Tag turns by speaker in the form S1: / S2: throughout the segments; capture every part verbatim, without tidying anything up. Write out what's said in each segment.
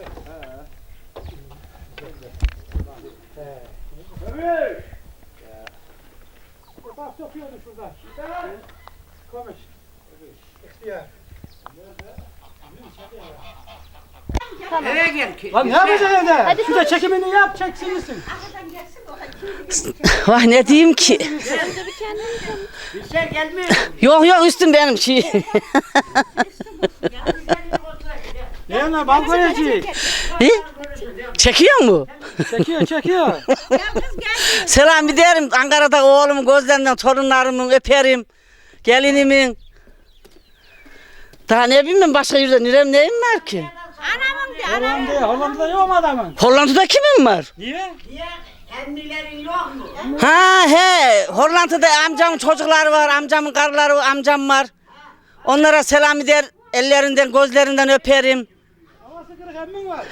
S1: Evet. Bak sokuyordu şurada. Konuş. İhtiyar.
S2: Tamam.
S3: Eve gel.
S1: Lan ne yapacaksın evde? Şurada çekimini yap, çeksinsin.
S2: Vay ne diyeyim ki?
S3: Sen gelmiyor.
S2: Yok yok üstüm benim şey.
S1: Ne yana balkoneci?
S2: He? Çekiyor mu?
S1: Çekiyor, çekiyor.
S2: Selam ederim Ankara'da oğlumun gözlerinden torunlarımın öperim. Gelinimin. Daha ne bileyim başka yerde nerem neyim var ki?
S3: Anamın diye.
S1: Hollanda'ya, Hollanda'da yok mu adamın?
S2: Hollanda'da kimin var?
S1: Niye?
S3: Niye? Emmilerin yok mu?
S2: Ha he Hollanda'da amcamın çocukları var, amcamın karıları, amcam var. Onlara selam eder, ellerinden gözlerinden öperim.
S1: Havası kırık emmin var.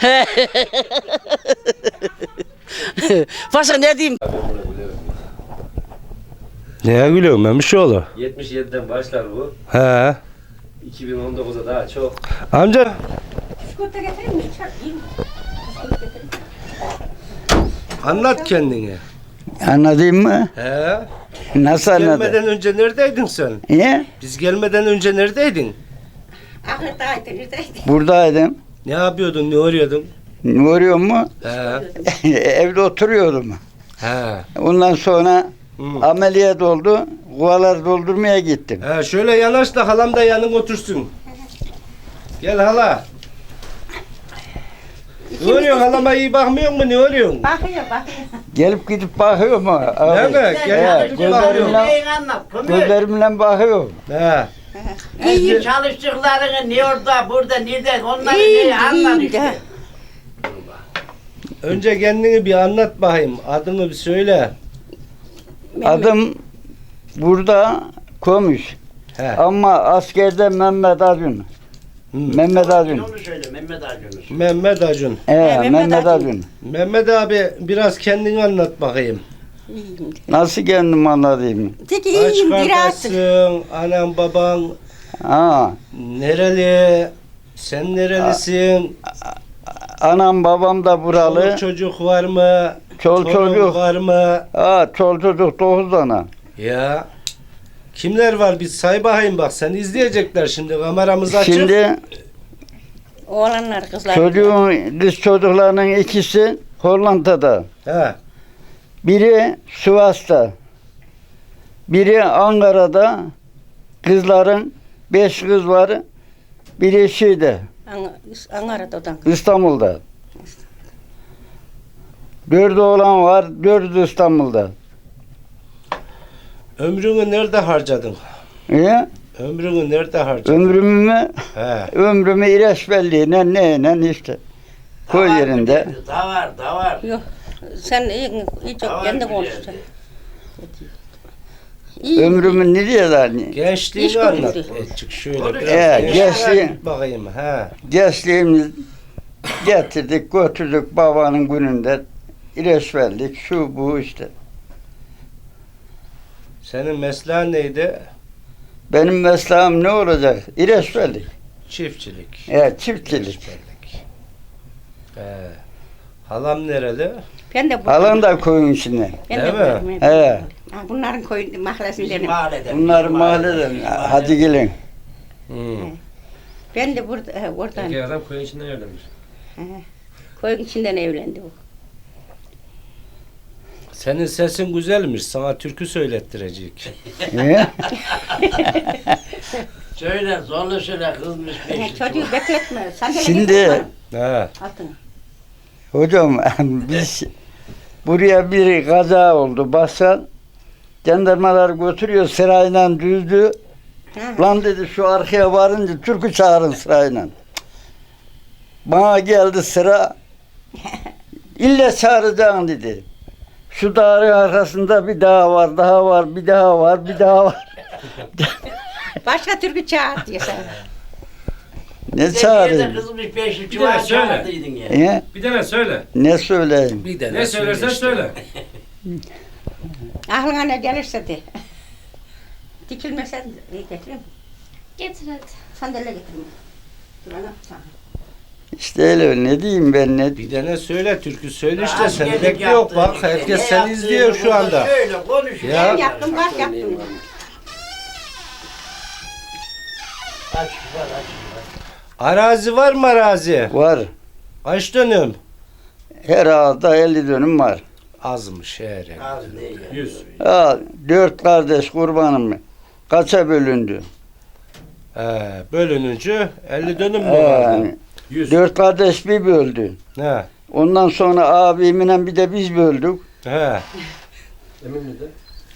S2: Başka ne diyeyim?
S4: Neye gülüyorsun Memişoğlu?
S5: yetmiş yediden başlar bu.
S4: He.
S5: iki bin on dokuza daha çok.
S4: Amca.
S3: Çikolata getireyim mi?
S4: Anlat kendini.
S6: Anladın mı?
S4: He.
S6: Nasıl anladın?
S4: Gelmeden önce neredeydin sen?
S6: Niye?
S4: Biz gelmeden önce neredeydin?
S3: Ahırdaydın, neredeydin?
S6: Buradaydım.
S4: Ne yapıyordun, ne arıyordun?
S6: Ne oluyor mu?
S4: He.
S6: Evde oturuyordum.
S4: He.
S6: Ondan sonra
S4: Hı.
S6: ameliyat oldu. Kuvalar doldurmaya gittim.
S4: He, şöyle yanaş da halam da yanın otursun. Gel hala. Ne oluyor halama iyi bakmıyor mu, ne oluyor?
S3: Bakıyor, bakıyor.
S6: Gelip gidip bakıyor mu?
S4: Değil mi?
S6: He,
S4: Gel gidip bakıyor.
S6: gözlerimle,
S3: Neyin anlat, kömür.
S6: gözlerimle bakıyor.
S4: He.
S3: İyi çalıştıklarını ne orada, burada, nerede, onları
S2: İyiyim,
S3: ne anlat
S2: iyiyim
S3: işte.
S2: de.
S4: Önce kendini bir anlat bakayım. Adını bir söyle.
S6: Adım burada Komuş.
S4: He.
S6: Ama askerde Mehmet Acun.
S4: Hı.
S6: Mehmet Acun.
S3: Onu söyle, Mehmet Acun'u.
S4: Mehmet Acun.
S6: He,
S2: Mehmet
S6: Mehmet
S2: Acun.
S6: Acun.
S4: Mehmet abi biraz kendini anlat bakayım.
S6: Nasıl kendim anladığımı?
S2: Peki
S4: Kaç
S2: iyiyim biraz.
S4: kardeşsin? Anan baban
S6: Ha,
S4: nereli? Sen nerelisin?
S6: anam babam da buralı.
S4: Çoluk çocuk var mı?
S6: Çol
S4: Torun
S6: çocuk.
S4: var mı?
S6: Ha, çol çocuk dokuz tane.
S4: Ya. Kimler var? Bir say bakayım bak. Seni izleyecekler şimdi. Kameramız açık.
S2: Şey-
S6: Şimdi
S2: Oğlanlar kızlar.
S6: çocuğun, kız çocuklarının ikisi Hollanda'da.
S4: He.
S6: Biri Sivas'ta. Biri Ankara'da. Kızların beş kız var. Biri şeyde,
S2: Ankara'dan.
S6: İstanbul'da. Dört oğlan var. Dördü İstanbul'da.
S4: Ömrünü nerede harcadın?
S6: Niye?
S4: Ömrünü nerede harcadın?
S6: Ömrümü mü?
S4: He.
S6: Ömrümü İreçbelli'yle neyle işte. Koy yerinde.
S3: Da var, da var.
S2: Yok. Sen iyi, iyi çok
S3: Tamam,
S2: kendi
S3: güzel.
S2: konuştun. İyi.
S6: Ömrümü ne diyorlar? Hani?
S4: Gençliğini
S2: İş
S4: anlat.
S2: kurdu.
S4: Azıcık şöyle
S3: Olur.
S4: biraz.
S6: Evet,
S4: gençliğe
S6: gençliği-
S4: git bakayım. He.
S6: Gençliğimiz getirdik, götürdük babanın gününde. İreçbellik, şu bu işte.
S4: Senin mesleğin neydi?
S6: Benim mesleğim ne olacak? İreçbellik.
S4: Çiftçilik.
S6: Evet, çiftçilik.
S4: İreçbellik. He. Halam nereli?
S2: Ben de bu.
S6: Halan da koyun içinde.
S2: Ben
S4: Değil
S2: de
S4: mi?
S2: buradayım.
S6: He.
S2: Ha, bunların koyun
S3: Bizim
S2: mahallesinden.
S3: mahalleden.
S6: Bunlar
S3: bizim
S6: mahalleden.
S3: bizim
S6: Hadi gelin.
S4: Hmm.
S2: Ben de burada, he, oradan.
S5: Peki adam koyun içinden evlenmiş.
S2: Koyun içinden evlendi bu.
S4: Senin sesin güzelmiş. Sana türkü söylettirecek.
S6: He?
S3: Söyle, zorla söyle, kızmış
S2: Ha,
S3: beşik.
S2: çocuğu bekletme. Sandalye
S6: Şimdi-
S2: getir
S4: He.
S2: bana, altına.
S6: Hocam biz buraya bir kaza oldu. Basal jandarmalar götürüyor sırayla düzdü.
S2: Ha.
S6: Lan dedi şu arkaya varınca türkü çağırın sırayla. Bana geldi sıra. İlle çağıracağım dedi. Şu dağın arkasında bir dağ var, daha var, bir daha var, bir daha var.
S2: Başka türkü çağır diyor sana.
S6: Ne çağırayım?
S3: Kızmış beşik
S5: Bir daha
S3: çuval
S5: söyle.
S3: çağırdıydın ya.
S6: He?
S5: Bir tane söyle.
S6: Ne söyleyeyim?
S4: Bir de
S5: Ne söylersen söyle.
S2: Aklına ne gelirse de. Dikilmesen de getireyim.
S7: Getir hadi.
S2: Sandalye getireyim. Dur ana. Tamam.
S6: İşte öyle ne diyeyim ben ne
S4: Bir tane söyle türkü söyle işte
S3: Az
S4: seni
S3: gelip
S4: bekliyor
S3: yaptığın
S4: bak
S3: işte.
S4: herkes
S3: Ne
S4: seni
S3: yaptığını
S4: izliyor şu
S3: burada
S4: anda.
S3: Şöyle konuş.
S4: Ya.
S7: Ben yaptım, bak yaptım.
S3: Aç var aç.
S4: Arazi var mı arazi?
S6: var.
S4: Kaç dönüm?
S6: Her ağızda elli dönüm var.
S4: Azmış her yer.
S3: Az değil.
S5: yüz.
S6: Ha, dört kardeş kurbanım kaça bölündü?
S4: He, bölününcü elli dönüm mü
S6: Ee,
S4: vardı?
S5: yüz.
S6: dört kardeş bir böldü.
S4: He.
S6: Ondan sonra abimle bir de biz böldük.
S4: He.
S5: Emin miydin?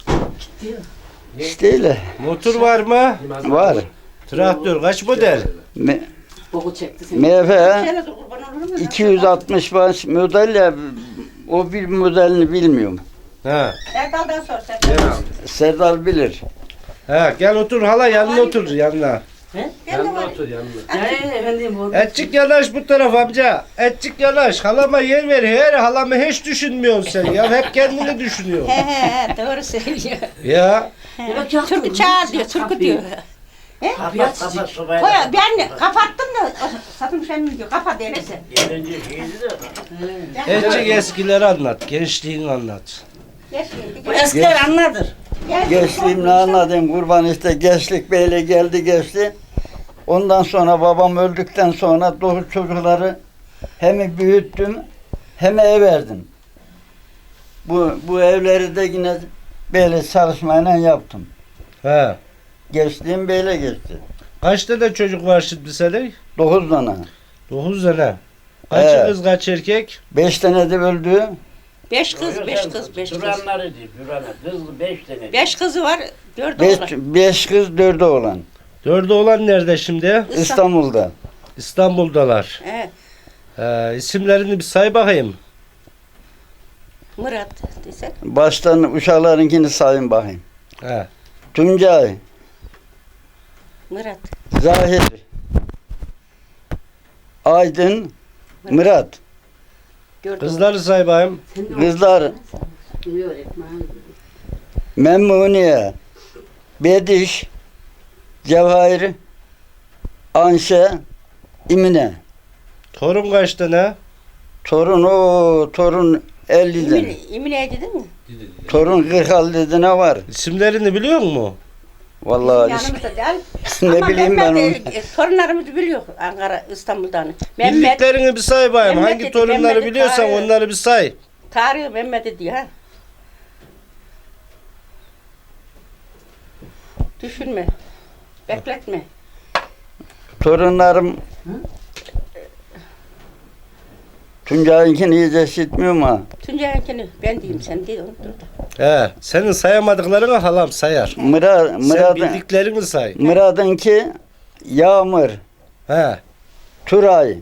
S6: İşte öyle.
S4: Motor var mı?
S6: Var.
S4: Traktör kaç model?
S6: Me
S7: Boku çekti seni.
S6: M F
S7: Şöyle de kurban olur mu?
S6: iki yüz altmış baş model ya o bir modelini bilmiyorum.
S4: He.
S7: Erdal'dan sor Serdal.
S6: Serdal bilir.
S4: He gel otur hala yanına otur yanına.
S7: Ben de
S5: Yanına
S7: var.
S5: otur yanına.
S7: Ee, efendim bu.
S4: Etçik yanaş bu taraf amca. Etçik yanaş. Halama yer ver. Her halamı hiç düşünmüyorsun sen ya. Hep kendini düşünüyorsun.
S7: He he he doğru söylüyor.
S4: Ya.
S7: Türkü çağır diyor, türkü diyor.
S3: Kapat kapat sobayı.
S7: Koy, ben kapattım da satın sen mi diyor, kapat öyleyse.
S3: Gelince şeydi de.
S4: Etçik eskileri anlat. Gençliğini anlat.
S2: Bu eskiler anladır.
S6: Gençliğimle anladım kurban işte gençlik böyle geldi geçti. Ondan sonra babam öldükten sonra dokuz çocukları hem büyüttüm hem ev verdim. Bu, bu evleri de yine böyle çalışmayla yaptım.
S4: He.
S6: Gençliğim böyle geçti.
S4: Kaç tane çocuk var şimdi senin?
S6: Dokuz tane.
S4: Dokuz tane. Kaç
S6: Evet.
S4: kız kaç erkek?
S6: Beş tane de öldü.
S7: Beş kız, beş kız, beş kız.
S3: Duranları değil, duranlar. Kızlı beş tane.
S7: Beş kızı var, dört
S6: Beş,
S7: oğlan.
S6: beş kız dördü oğlan.
S4: Dördü olan nerede şimdi?
S6: İstanbul'da.
S4: İstanbul'dalar.
S7: He,
S4: He, isimlerini bir say bakayım.
S7: Murat desek.
S6: Baştan uşaklarınkini sayın bakayım.
S4: He.
S6: Tuncay,
S7: Murat.
S6: Zahir, Aydın, Murat.
S7: Dört
S4: Kızları say bakayım.
S6: Kızlar Memmuniye, Bediş, Cevahir, Anşe, İmine.
S4: Torun kaç tane?
S6: Torun o torun elli tane.
S7: İmine, İmine dedin mi?
S6: Torun kırk altı ne var.
S4: İsimlerini biliyor musun?
S6: Vallahi
S7: Yanımızda değil.
S6: ne
S7: Ama
S6: bileyim ben onu.
S7: Mehmet, e, torunlarımızı biliyor Ankara, İstanbul'dan. Mehmet,
S4: Bildiklerini bir say bakayım.
S7: Mehmet
S4: Hangi
S7: dedi,
S4: torunları
S7: Mehmet'i
S4: biliyorsan
S7: çağırıyor.
S4: onları bir say.
S7: Tarık Mehmet diyor ha. Düşünme. Bekletme.
S6: Torunlarım Tuncay'ınkini iyice işitmiyorum ha.
S7: Tuncay'ınkini ben diyeyim sen değil onu dur da.
S4: He, senin sayamadıklarını halam sayar.
S6: Murat,
S4: Sen
S6: Murat,
S4: bildiklerini say.
S6: Murat'ınki Yağmur,
S4: He.
S6: Turay.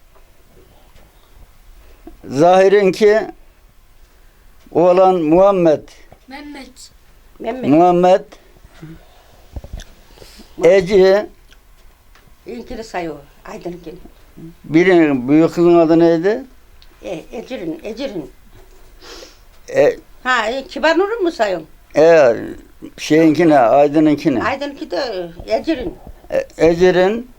S6: Zahir'inki oğlan Muhammed,
S7: Mehmet.
S6: Muhammed, Eci,
S7: İnkini say o. Aydın'ınkini.
S6: birinin büyük kızın adı neydi?
S7: E, Ecrin, Ecrin.
S6: E,
S7: Ha, e, Kibar Nur'un mu sayıyorsun?
S6: e, şeyinkine, Aydın'ınkine.
S7: Aydın'ınki de Ecrin.
S6: E, Ecir'in,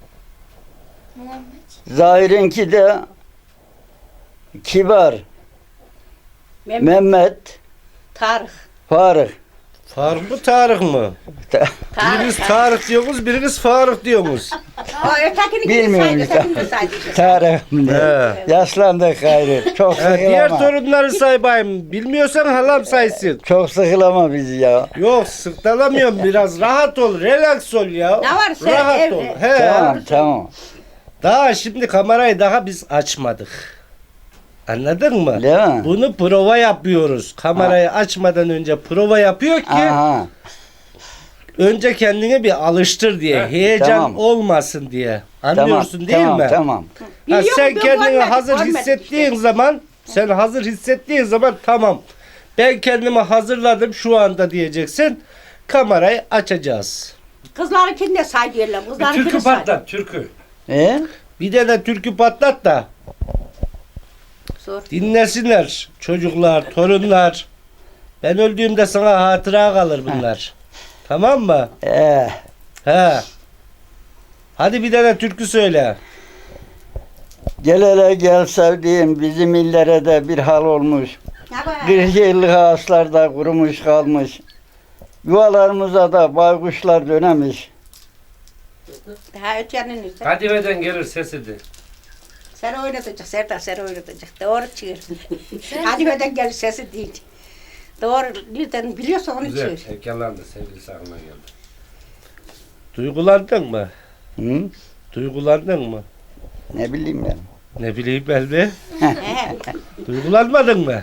S6: Zahir'inki de Kibar,
S7: Mehmet.
S6: Mehmet,
S7: Tarık.
S6: Faruk.
S4: Faruk mu Tarık mı? Biriniz
S7: Tarık.
S4: Tarık diyorsunuz, biriniz Faruk diyorsunuz.
S7: O ötekini
S6: Bilmiyorum
S7: saydı,
S6: işte.
S7: ötekini saydı.
S6: Tarık.
S4: He.
S6: Yaşlandık gayrı. Çok
S4: He, diğer
S6: sıkılama.
S4: torunları say bayım. Bilmiyorsan halam saysın.
S6: Çok sıkılama bizi ya.
S4: Yok sırtlanamıyorum biraz. Rahat ol, relax ol ya.
S7: Ne var sen
S4: Rahat
S7: ev-
S4: ol.
S7: ev-
S4: He.
S6: Tamam tamam.
S4: Daha şimdi kamerayı daha biz açmadık. Anladın mı?
S6: Değil mi?
S4: Bunu prova yapıyoruz. Kamerayı açmadan önce prova yapıyor ki
S6: Aha.
S4: önce kendini bir alıştır diye. Heyecan
S6: Tamam.
S4: olmasın diye.
S6: Tamam.
S4: Anlıyorsun değil
S6: tamam,
S4: mi?
S6: Tamam.
S4: Ha,
S7: Biliyorum,
S4: sen
S7: ben
S4: kendini
S7: görmedim,
S4: hazır
S7: görmedim
S4: hissettiğin
S7: işte.
S4: zaman sen hazır hissettiğin zaman tamam. Ben kendimi hazırladım şu anda diyeceksin. Kamerayı açacağız.
S7: Kızlarınkini de say diyorlar.
S5: Bir
S7: Kızlarınkini
S5: türkü
S7: say.
S5: patlat, türkü.
S6: E?
S4: Bir de de türkü patlat da
S7: Sor.
S4: dinlesinler çocuklar, torunlar. Ben öldüğümde sana hatıra kalır bunlar. Tamam mı?
S6: E.
S4: He. Hadi bir tane türkü söyle.
S6: Gel hele gel sevdiğim bizim illere de bir hal olmuş.
S7: Ya bak.
S6: kırk yıllık ağaçlar da kurumuş kalmış. Yuvalarımıza da baykuşlar dönemiş.
S7: Daha ötenin üstü.
S4: Kadifeden gelir sesidir.
S7: Sen oynatacak, Serdar sen oynatacak. Doğru çığır. Hadi öden gel sesi değil. Doğru, nereden biliyorsa onu
S4: Güzel.
S7: çığır.
S4: Heykellendi sevgilisi aklına geldi. Duygulandın mı?
S6: Hı?
S4: Duygulandın mı?
S6: Ne bileyim ben.
S4: Ne bileyim ben de.
S7: He.
S4: Duygulanmadın mı?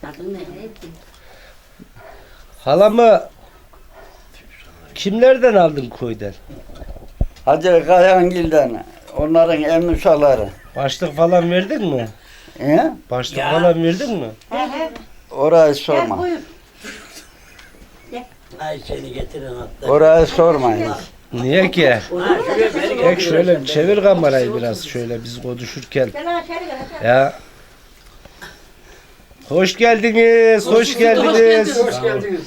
S4: Halamı kimlerden aldın köyden?
S6: Hacı Kayangil'den, onların emmisaları.
S4: Başlık falan verdin mi?
S6: He?
S4: Başlık falan verdin mi?
S7: He he.
S6: Orayı
S7: Gel
S6: sorma.
S7: buyur.
S3: Ay seni getirin hatta.
S6: Orayı sormayın.
S4: Niye ki?
S3: Ha, şuraya beni
S4: Tek şöyle çevir kamerayı biraz şöyle biz konuşurken.
S7: Gel aşağı gel aşağı.
S4: Ya. Hoş geldiniz, hoş geldiniz.
S1: Hoş geldiniz.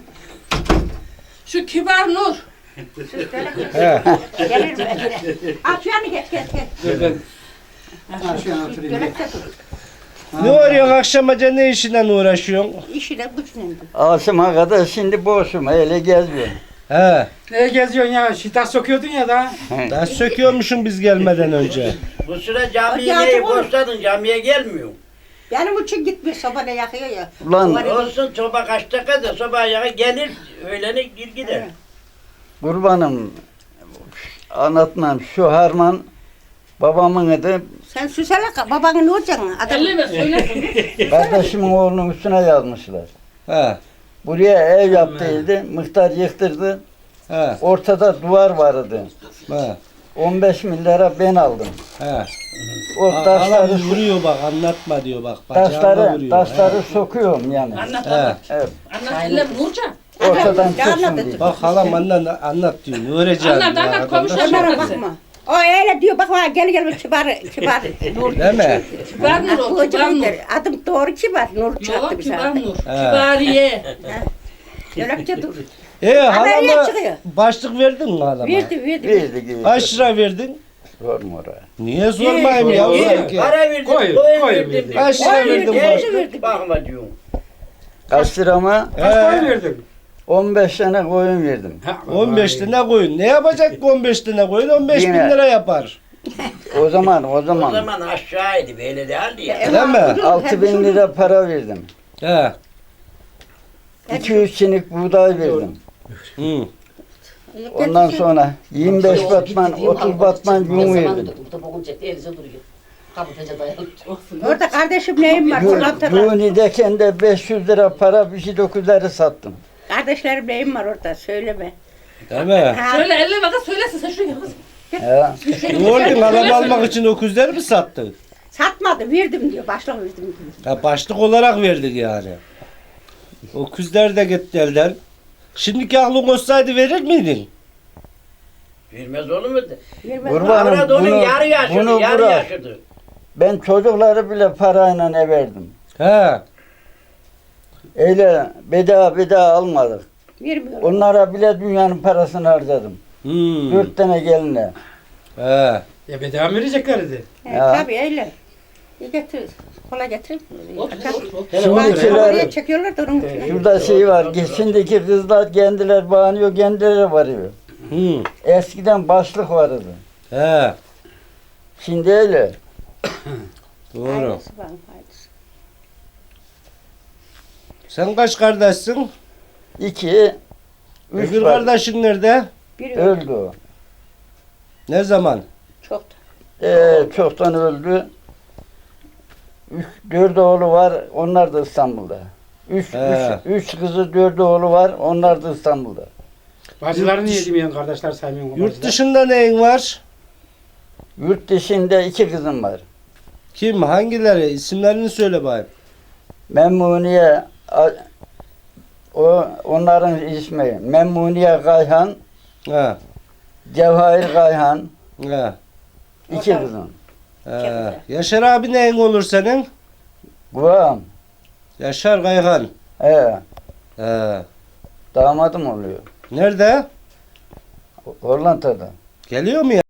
S8: Şu kibar Nur.
S4: He.
S7: Gelir mi? Aç yanı geç geç geç.
S1: Dur ben. Ha şu an oturayım.
S7: Gölekte dur.
S4: Ne arıyorsun akşamaca ne işinden uğraşıyorsun?
S7: İşine güçle.
S6: Asım'a kadar şimdi boşum, öyle geziyorum.
S4: He.
S1: Neye geziyorsun ya? Şita sokuyordun ya da.
S4: Daha söküyormuşum biz gelmeden önce.
S3: Bu sıra camiye
S7: Hadi
S3: neyi
S7: artık olur.
S3: boşladın camiye gelmiyor.
S7: Benim için gitmiyor sobana yakıyor ya.
S6: Ulan
S7: Duvarı-
S3: Olsun soba kaç dakikada soba yağı gelir öğlene gir gider.
S6: kurbanım, anlatmam, şu harman babamın adı,
S7: Sen süsele babanın ne olacaksın? Adam
S8: Elleme söylesin.
S6: kardeşimin oğlunun üstüne yazmışlar.
S4: He.
S6: Buraya ev yaptıydı, muhtar yıktırdı.
S4: He.
S6: Ortada duvar vardı.
S4: He.
S6: on beş milyara ben aldım.
S4: He.
S6: O
S4: Adam
S6: taşları,
S4: vuruyor bak anlatma diyor bak. Bacağına
S6: taşları,
S4: vuruyor.
S6: taşları sokuyorum yani.
S8: Anlat
S4: He.
S8: anlat.
S6: Evet,
S8: Anlat elleme Nurcan.
S6: ortadan
S7: Ne
S6: çıksın
S7: anladın?
S6: diye.
S4: Bak halam anlat, anlat diyor. Ne öğreneceğim
S8: Anlat,
S4: diyor
S8: anlat,
S4: arkadaş.
S8: komşu
S7: Onlara
S8: anlat.
S7: bakma. O öyle diyor bak bak gel gel kibar kibar Nur.
S4: Değil mi?
S8: Kibar Nur o,
S7: Bu
S8: kibar Nur.
S7: der. Adım doğru kibar Nur çaktı
S8: Yok
S7: bize.
S8: kibar Nur.
S4: He.
S8: Kibariye.
S7: Gölekte dur.
S4: E
S7: Haberler
S4: halama
S7: çıkıyor.
S4: başlık verdin mi halama?
S7: Verdi verdi.
S6: Verdi gibi.
S4: Kaç lira verdin?
S6: Sorma oraya.
S4: Niye sormayayım ya?
S3: İyi,
S4: sanki?
S3: para verdim,
S1: Koy,
S3: koyun
S1: koy
S3: verdim.
S1: verdim.
S4: Kaç lira
S7: Koy
S4: verdin?
S7: verdim.
S4: bana?
S3: Geç, bakma diyorum.
S6: Kaç lira mı?
S1: Kaç para
S4: He.
S1: verdin?
S6: on beş tane koyun verdim.
S1: Ha,
S4: on beş tane koyun. Ne yapacak ki on beş tane koyun? on beş bin
S6: Yine.
S4: lira yapar.
S6: O zaman, o
S3: O
S6: zaman.
S3: zaman aşağıydı böyle değildi ya.
S4: Değil mi?
S6: altı bin lira para verdim.
S4: He.
S6: iki yüz çinik buğday verdim.
S4: Hı.
S6: Ondan sonra yirmi beş batman, otuz batman yün verdim.
S7: Orada kardeşim neyim var? Fırlatılar.
S6: Yuni'deken de beş yüz lira para bir şey dokuzları sattım.
S7: Kardeşlerim neyim var orada söyleme.
S4: Değil mi?
S7: Ha,
S8: Söyle elleme kız söylesin sen şuraya kız.
S6: Ya,
S4: Ne oldu? Halam almak için o küzleri mi sattın?
S7: satmadı verdim diyor. Başlık verdim diyor.
S4: Ha, başlık olarak verdik yani. O küzler de gitti elden. Şimdiki aklın olsaydı verir miydin?
S3: Vermez olur mu?
S7: Vermez.
S6: kurbanım
S3: Avrat onun
S6: bunu,
S3: yarı yaşıdı,
S6: bunu
S3: yarı
S6: bırak.
S3: yaşıdı.
S6: Ben çocukları bile parayla ev verdim.
S4: He.
S6: Öyle bedava bedava almadık.
S7: Vermiyor.
S6: Onlara bile dünyanın parasını harcadım.
S4: Hmm.
S6: Dört tane geline.
S4: He.
S1: Ya bedava mı vereceklerdi?
S7: He,
S6: Ya.
S7: tabii öyle. Bir getir. Kola getir.
S8: Otur otur otur.
S6: Şimdikiler,
S7: Oraya çekiyorlar da onun için.
S6: şurada şey var. Şimdiki kızlar kendiler bağınıyor, kendileri varıyor.
S4: Hı.
S6: Eskiden başlık vardı.
S4: He.
S6: Şimdi öyle.
S4: Doğru.
S7: Hayırlısı var, hayırlısı.
S4: Sen kaç kardeşsin?
S6: İki, üç
S4: Öbür
S6: var.
S4: kardeşin nerede?
S7: Biri
S6: Öldü o.
S4: Ne zaman?
S7: çok da.
S6: Ee, çoktan öldü. Üç, dört oğlu var, onlar da İstanbul'da. Üç,
S4: He.
S6: üç, üç kızı, dört oğlu var, onlar da İstanbul'da.
S1: Bacıları niye demeyen kardeşler saymıyorsun?
S4: Yurt dışında neyin var?
S6: Yurt dışında iki kızım var.
S4: Kim? Hangileri? İsimlerini söyle bakayım.
S6: Memmuniye, a- o onların ismi Memmuniye Kayhan,
S4: He.
S6: Cevahir Kayhan,
S4: He.
S6: iki kızım.
S4: He. Yaşar abi neyin olur senin?
S6: Guam,
S4: Yaşar Kayhan.
S6: he,
S4: He.
S6: damadım oluyor.
S4: Nerede?
S6: Hollanda'da.
S4: Geliyor mu ya?